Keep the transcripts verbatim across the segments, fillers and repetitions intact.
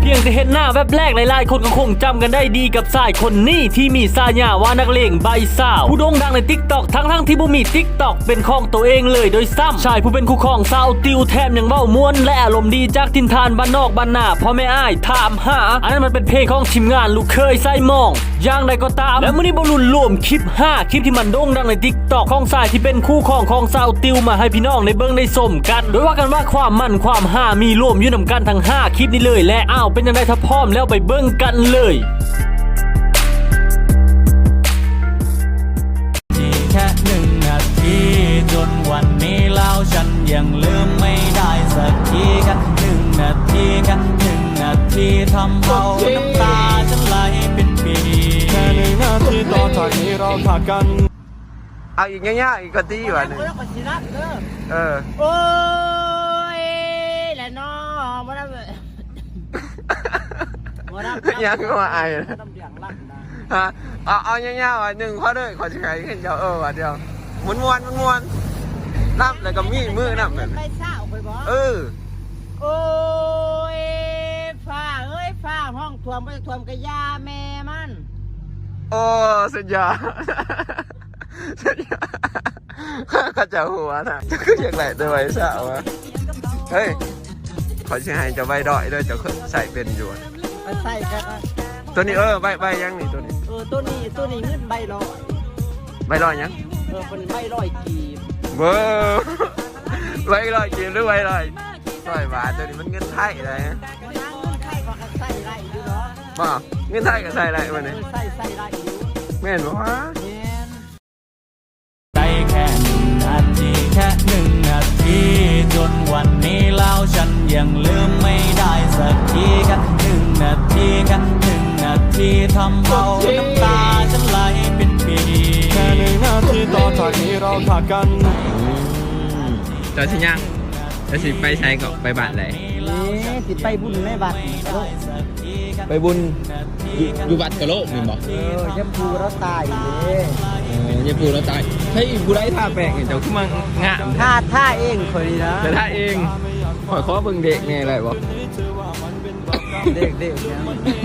พียงแต่เห็นหน้าแวบแรกหลายๆคนก็คงจำกันได้ดีกับชายคนนี้ที่มีฉายาว่านักเลงใบสาวผู้โด่งดังใน ติ๊กต็อก ทั้งๆที่บ่มี ติ๊กต็อก เป็นของตัวเองเลยโดยซ้ำชายผู้เป็นคู่ของสาวติวแถมยังเว้าม่วนและอารมณ์ดีจากทินทานบ้านนอกบ้านนาพ่อแม่อ้ายถามหาอันนั้นมันเป็นเพลงของทีมงานลูกเคยไส้มองอย่างใดก็ตามและมื้อนี้บ่ลุ้นรวมคลิปห้าคลิปที่มันโด่งดังใน ติ๊กต็อก ของชายที่เป็นคู่ของของสาวติวมาให้พี่น้องได้เบิ่งได้ชมกันโดยว่ากันว่าความมันความห้ามีรวมอยู่นำกันทั้งห้าคลิปนี้เลยและอ้าวเป็นจังได๋ถ้าพร้อมแล้วไปเบิ่งกันเลยแค่หนึ่งนาทีจนวันนี้แล้วฉันยังลืมไม่ได้สักทีแค่หนึ่งนาทีแค่หนึ่งนาทีทำเอาน้ำตาฉันไหลเป็นปีแค่หนึ่งนาทีต่อจากนี้เราขาดกันเอาอีกง่ายๆอีกกะตี้ว่ะหนึ่งเออโอ้ยแหละน้อมาได้เลยยังก็มาไอ้ฮะเอาเอาง่ายๆว่ะหนึ่งข้อเลยขอจะใช้ขึ้นเดียวเออว่ะเดียวม้วนม้วนม้วนนับแล้วก็มีมือนับแบบไปเศร้าไปบ่เออโอ้ยฟ้าเอ้ยฟ้าห้องท่วมไปท่วมกระยาแม่มันโอ้สุดยอดสุดยอดข้าจะหัวนะจะขึ้นอย่างไรตัวไว้สาวะเฮ้ยขอจะให้จะใบดอยด้วยจะใส่เป็นอยู่ไปใส่กันตัวนี้เออใบใบยังนี่ตัวนี้เออตัวนี้ตัวนี้เงินใบลอยใบลอยยังเออเป็นใบลอยกีบเบอร์ใบลอยกีบหรือใบลอยลอยบาทตัวนี้มันเงินไทยอะไรฮะเงินไทยก็ใส่ไรอยู่เนาะบ่เงินไทยก็ใส่ไรมันนี่ใส่ใส่ไรอยู่แม่นบ่วะได้แค่หนึ่งนาทีแค่หนึ่งนาทีจนวันนี้แล้วฉันยังลืมไม่ได้สักทีแค่หนึ่งนาทีแค่หนึ่งนาทีทำเอาน้ำตาฉันไหลเป็นปีแค่หนึ่งนาทีต่อจากนี้เราขาดกันจะสิยังจะสิไปใช้กับไปบ้านไหนนี่สิไปบุญในบัตรไปบุญอยู่บัตรกะโลกนี่บ่เออเย็บปูแล้วตายเลยเออเย็บปูแล้วตายใช่ผู้ใดท่าแปลกเจ้าขึ้นมางะท่าท่าเองคนนี้นะแต่ท่าเองขอขอเบิ่งเด็กไงอะไรบ่เด็กเด็กเนี่ย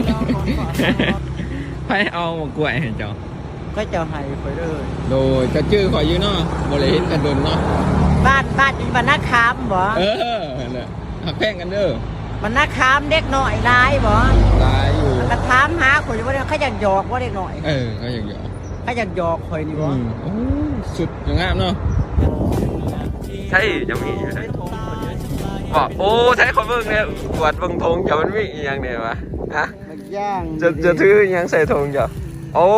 ให้เอามากล้วยให้เจ้าก็จะให้ไปเลยโดยจะชื่อขออยู่เนาะบ่ได้เห็นกันโดนเนาะบ้านบ้านอยู่บ้านนาคามบ่เออนั่นแหละหักแพงกันเด้อบ้านนาคามเด็กหน่อยร้ายบ่ร้ายอยู่กระถามหาคนอยู่ว่าเขาอยากหยอกว่าเด็กหน่อยเออเขาอยากหยอกเขาอยากหยอกคอยนี่บ่โอ้สุดงามเนาะใช่จะมีอยู่ได้บอกโอ้ใช้คนเบิ่งเนี่ยกวดเบิ่งธงจะมันมีอย่างเดียววะฮะย่างจะจะถือยังใส่ธงจ้ะโอ้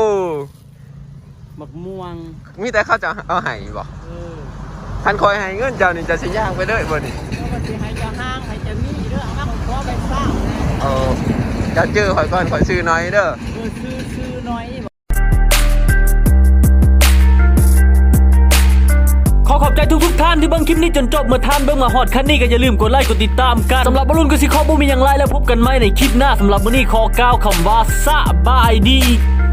หมกม่วงมีแต่เขาจะเอาไห้บ่คันคอยให้เงินเจ้านี่จะสิย่างไปเลยบ่นี่ก็สิให้จะห้างให้จะมีเด้อห้างขอไปสร้างโอ้จะชื่อข่อยก่อนข่อยซื้อน้อยเด้อซื้อซื้อน้อยขอขอบใจทุกๆท่านที่เบิ่งคลิปนี้จนจบเมื่อท่านเบิ่งมาฮอดคันนี้ก็อย่าลืมกดไลค์กดติดตามกันสำหรับบอลลูนก็สิขอบ่มีหยังไรแล้วพบกันใหม่ในคลิปหน้าสำหรับมื้อนี้ขอกล่าวคำว่าสบายดี